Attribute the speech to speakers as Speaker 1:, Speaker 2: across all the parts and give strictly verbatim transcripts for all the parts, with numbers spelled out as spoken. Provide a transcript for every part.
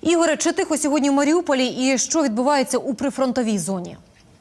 Speaker 1: Ігоре, чи тихо сьогодні в Маріуполі і що відбувається у прифронтовій зоні?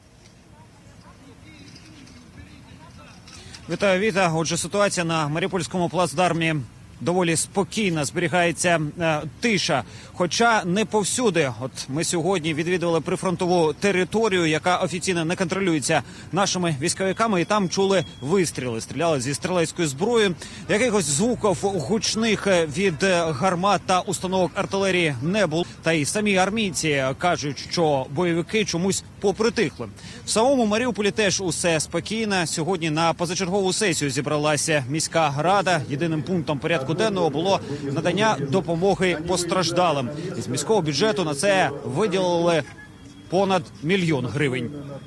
Speaker 2: Вітаю, Віта. Отже, ситуація на Маріупольському плацдармі доволі спокійна, зберігається е, тиша. Хоча не повсюди. От ми сьогодні відвідували прифронтову територію, яка офіційно не контролюється нашими військовиками. І там чули вистріли. Стріляли зі стрілецької зброї. Якихось звуків гучних від гармат та установок артилерії не було. Та й самі армійці кажуть, що бойовики чомусь попритихли. В самому Маріуполі теж усе спокійно. Сьогодні на позачергову сесію зібралася міська рада. Єдиним пунктом порядку денного було надання допомоги постраждалим. Із міського бюджету на це виділили понад мільйон гривень.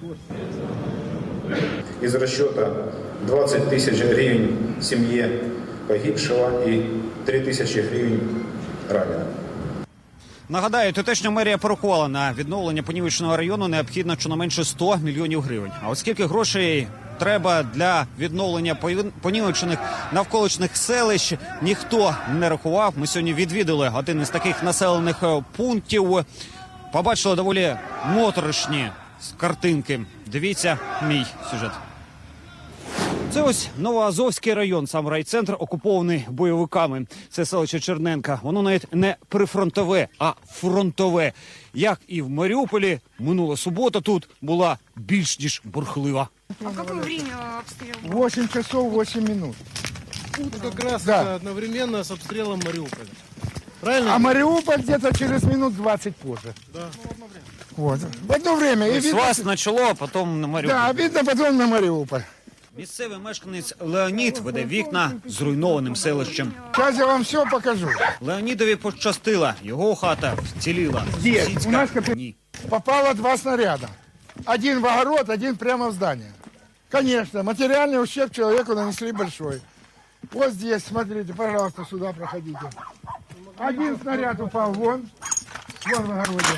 Speaker 3: Із розчету двадцять тисяч гривень сім'ї погибшого і три тисячі гривень ранених.
Speaker 2: Нагадаю, тутешня мерія порахувала, на відновлення понівеченого району необхідно щонайменше сто мільйонів гривень. А от скільки грошей треба для відновлення понівечених навколишніх селищ, ніхто не рахував. Ми сьогодні відвідали один із таких населених пунктів. Побачили доволі моторошні картинки. Дивіться мій сюжет. Це ось Новоазовський район, сам райцентр, окупований бойовиками. Це селище Черненка. Воно навіть не прифронтове, а фронтове. Як і в Маріуполі, минула субота тут була більш ніж бурхлива.
Speaker 4: А в какое время обстрел?
Speaker 5: восемь часов восемь минут.
Speaker 6: Ну, как раз
Speaker 5: Да.
Speaker 6: это одновременно с обстрелом Мариуполя. Правильно?
Speaker 5: А Мариуполь где-то через минут двадцать позже.
Speaker 6: Да.
Speaker 5: Вот. В одно время. И
Speaker 2: З
Speaker 5: видно,
Speaker 2: вас почало, а потім на Маріуполь.
Speaker 5: да, видно потом на Мариуполь.
Speaker 2: Місцевий мешканець Леонід веде вікна зруйнованим селищем.
Speaker 5: Сейчас я вам все покажу.
Speaker 2: Леонідові пощастило, його хата вціліла.
Speaker 5: Де?
Speaker 2: Сусідська
Speaker 5: У нас капі-
Speaker 2: ні.
Speaker 5: Попало два снаряда. Один в огород, один прямо в здание. Конечно, материальный ущерб человеку нанесли большой. Вот здесь, смотрите, пожалуйста, сюда проходите. Один снаряд упал вон, вон в огороде.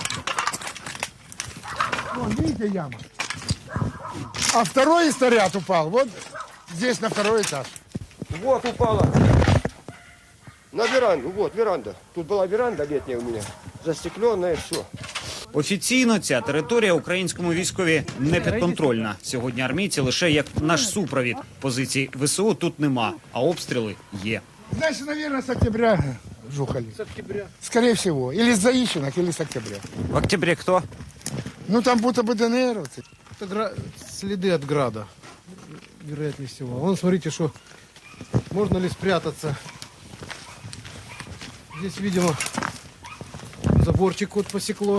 Speaker 5: Вон, видите, яма? А второй снаряд упал вот здесь, на второй этаж.
Speaker 7: Вот упала на веранду. Вот веранда. Тут была веранда летняя у меня. Застекленная, все.
Speaker 2: Офіційно ця територія українському військові не підконтрольна. Сьогодні армійці лише як наш супровід. Позицій ВСУ тут нема, а обстріли є.
Speaker 5: Значит, наверное, с октября жухали.
Speaker 6: С октября.
Speaker 5: Скорее всего. Или с заищенок, или с октября.
Speaker 2: В октябрі хто?
Speaker 5: Ну, там будто бы ДНРовцы.
Speaker 6: Это гра... следы от града, вероятнее всего. Вон, смотрите, что можно ли спрятаться. Здесь, видимо, заборчик вот посекло.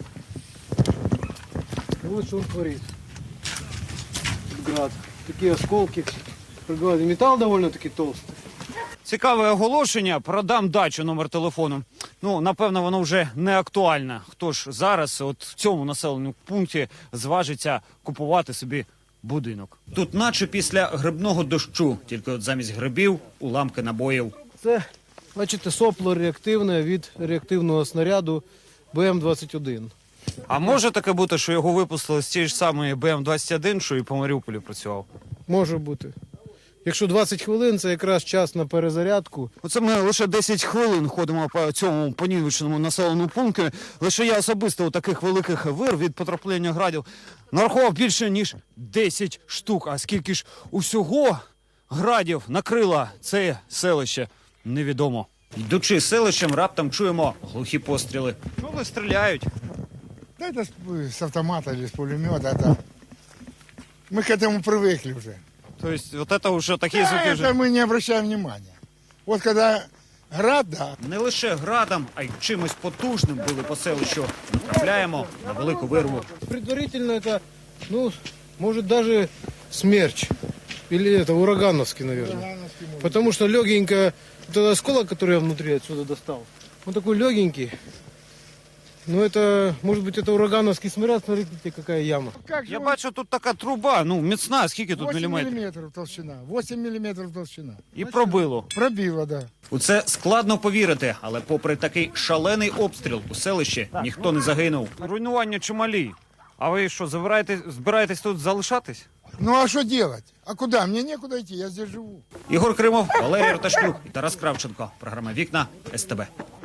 Speaker 6: И вот что он творит. Тут град. Такие осколки. Металл довольно-таки толстый.
Speaker 2: Цікаве оголошення. Продам дачу, номер телефону. Ну, напевно, воно вже не актуальне. Хто ж зараз, от в цьому населеному пункті, зважиться купувати собі будинок? Тут наче після грибного дощу, тільки от замість грибів – уламки набоїв.
Speaker 6: Це, бачите, сопло реактивне від реактивного снаряду Б М двадцять один.
Speaker 2: А може таке бути, що його випустили з цієї ж самої Б М двадцять один, що і по Маріуполі працював?
Speaker 6: Може бути. Якщо двадцять хвилин, це якраз час на перезарядку.
Speaker 2: Оце ми лише десять хвилин ходимо по цьому понівеченому населеному пункту. Лише я особисто у таких великих вир від потрапляння градів нарахував більше, ніж десять штук. А скільки ж усього градів накрило це селище, невідомо. Йдучи селищем, раптом чуємо глухі постріли. Чого стріляють?
Speaker 5: Да это с, с автомата или с пулемета. Это... Мы к этому привыкли уже.
Speaker 2: Тобто, от це вже такі
Speaker 5: Да,
Speaker 2: звуки вже...
Speaker 5: это мы не обращаем внимания. Вот когда град, да.
Speaker 2: Не лише градом, а й чимось потужним били по селищу. Натрапляємо на велику вирву.
Speaker 6: Предварительно это, ну, может даже смерч. Или это урагановский, наверное. Потому что легенько, этот осколок, который я внутри отсюда достал, он такой легенький. Ну, это, может быть, это урагановский снаряд, смотрите, какая яма.
Speaker 5: Как же
Speaker 2: Я
Speaker 5: он-
Speaker 2: бачу, тут така труба, ну, міцна, скільки тут
Speaker 5: восемь
Speaker 2: міліметрів?
Speaker 5: миллиметров толщина. восемь миллиметров толщина.
Speaker 2: І пробило.
Speaker 5: Пробило, да.
Speaker 2: У це складно повірити, але попри такий шалений обстріл у селищі ніхто не загинув. Руйнування чималі. А ви що, збираєтесь, збираєтесь тут залишатись?
Speaker 5: Ну а что делать? А куда? Мне некуда идти, я здесь живу.
Speaker 2: Ігор Кримов, Валерій Роташнюк і Тарас Кравченко. Програма «Вікна» С Т Б.